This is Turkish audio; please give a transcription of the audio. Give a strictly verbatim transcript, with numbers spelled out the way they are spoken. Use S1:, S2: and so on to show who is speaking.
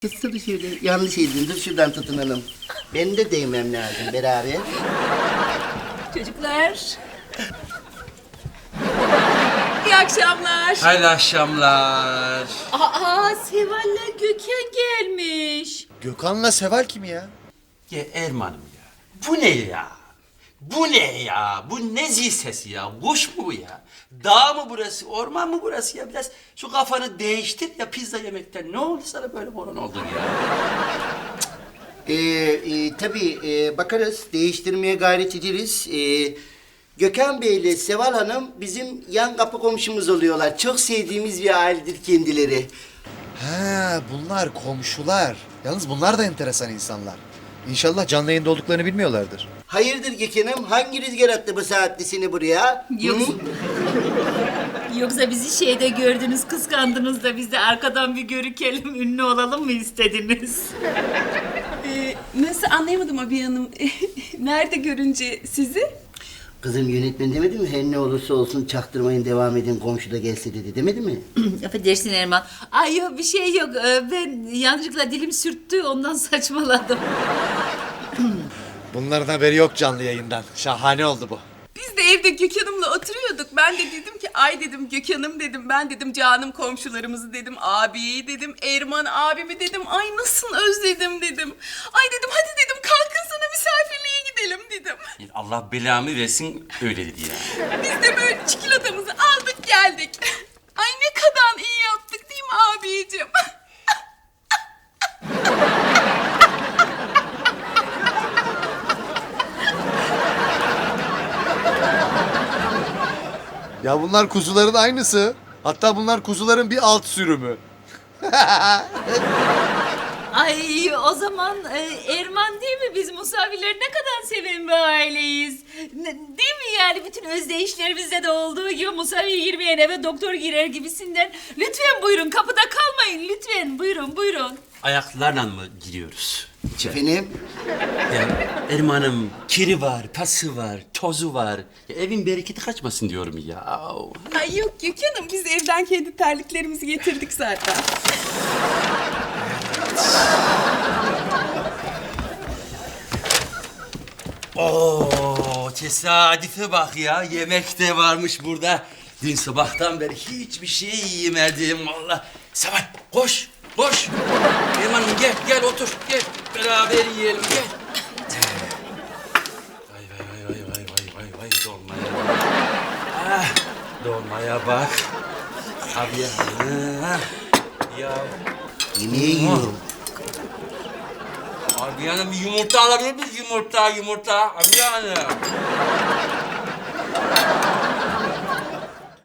S1: Kıssana şöyle. Yanlış eldin. Dur şuradan tutunalım. Ben de değmem lazım beraber.
S2: Çocuklar. İyi akşamlar.
S3: Hayırlı akşamlar.
S2: Aa, Seval'le Gökhan gelmiş.
S4: Gökhan'la Seval kim ya?
S3: Ya Erman'ım ya. Bu ne ya? Bu ne ya? Bu ne zil sesi ya? Kuş mu bu ya? Dağ mı burası? Orman mı burası ya? Biraz şu kafanı değiştir ya pizza yemekten. Ne oldu sana böyle moron oldun ya?
S1: Ee, e, tabii e, bakarız. Değiştirmeye gayret ederiz. Ee, Gökhan Bey ile Seval Hanım bizim yan kapı komşumuz oluyorlar. Çok sevdiğimiz bir ailedir kendileri.
S4: Ha, bunlar komşular. Yalnız bunlar da enteresan insanlar. İnşallah canlı yayında olduklarını bilmiyorlardır.
S1: Hayırdır Gökhan'ım? Hangi rüzgar attı bu saatte seni buraya?
S2: Yok.
S1: Hı?
S2: Yoksa bizi şeyde gördünüz, kıskandınız da biz de arkadan bir görükelim, ünlü olalım mı istediniz?
S5: Ee, nasıl anlayamadım abi hanım. Nerede görünce sizi?
S1: Kızım yönetmen demedi mi? Her ne olursa olsun çaktırmayın devam edin komşu da gelse dedi demedi mi?
S2: Affedersin Erman. Ay yok bir şey yok. Ee, Ben yanlışlıkla dilim sürttü, ondan saçmaladım.
S4: Bunların haberi yok canlı yayından. Şahane oldu bu.
S5: Biz de evde Gökhan'ımla oturuyorduk. Ben de dedim ki ay dedim Gökhan'ım dedim. Ben dedim canım komşularımızı dedim. Abiyi dedim. Erman abimi dedim. Ay nasıl özledim dedim. Ay dedim hadi dedim kalkın sana misafirliğe gidelim dedim.
S3: Allah belamı versin öyle dedi ya.
S5: Biz de böyle çikolatamızı aldık geldik. Ay ne kadar iyi yaptık değil mi abicim?
S4: Ya bunlar kuzuların aynısı. Hatta bunlar kuzuların bir alt sürümü.
S2: Ay o zaman e, Erman değil mi? Biz Musavileri ne kadar seven bir aileyiz. Ne- değil mi yani? Bütün özdeyişlerimizde de olduğu gibi Musavi girmeyen eve doktor girer gibisinden. Lütfen buyurun, kapıda kalmayın lütfen. Buyurun buyurun.
S3: Ayaklarla mı giriyoruz? içeri?
S1: Efendim?
S3: Ya Erman'ım kiri var, pası var, tozu var. Ya evin bereketi kaçmasın diyorum ya.
S5: Ay yok Gökhan'ım biz evden kendi terliklerimizi getirdik zaten.
S3: Oo, tesadüfe bak ya. Yemek de varmış burada. Dün sabahtan beri hiçbir şey yemedim valla. Seval koş, koş. Erman'ım gel, gel otur, gel. Beraber yiyelim, gel. Vay vay vay vay vay vay vay dolmaya bak. Ah, dolmaya bak. Abi ya. Ha, ya.
S1: Yemeği yiyorum.
S3: Abi yani bir yumurta alabilir miyiz? Yumurta, yumurta. Abi yani.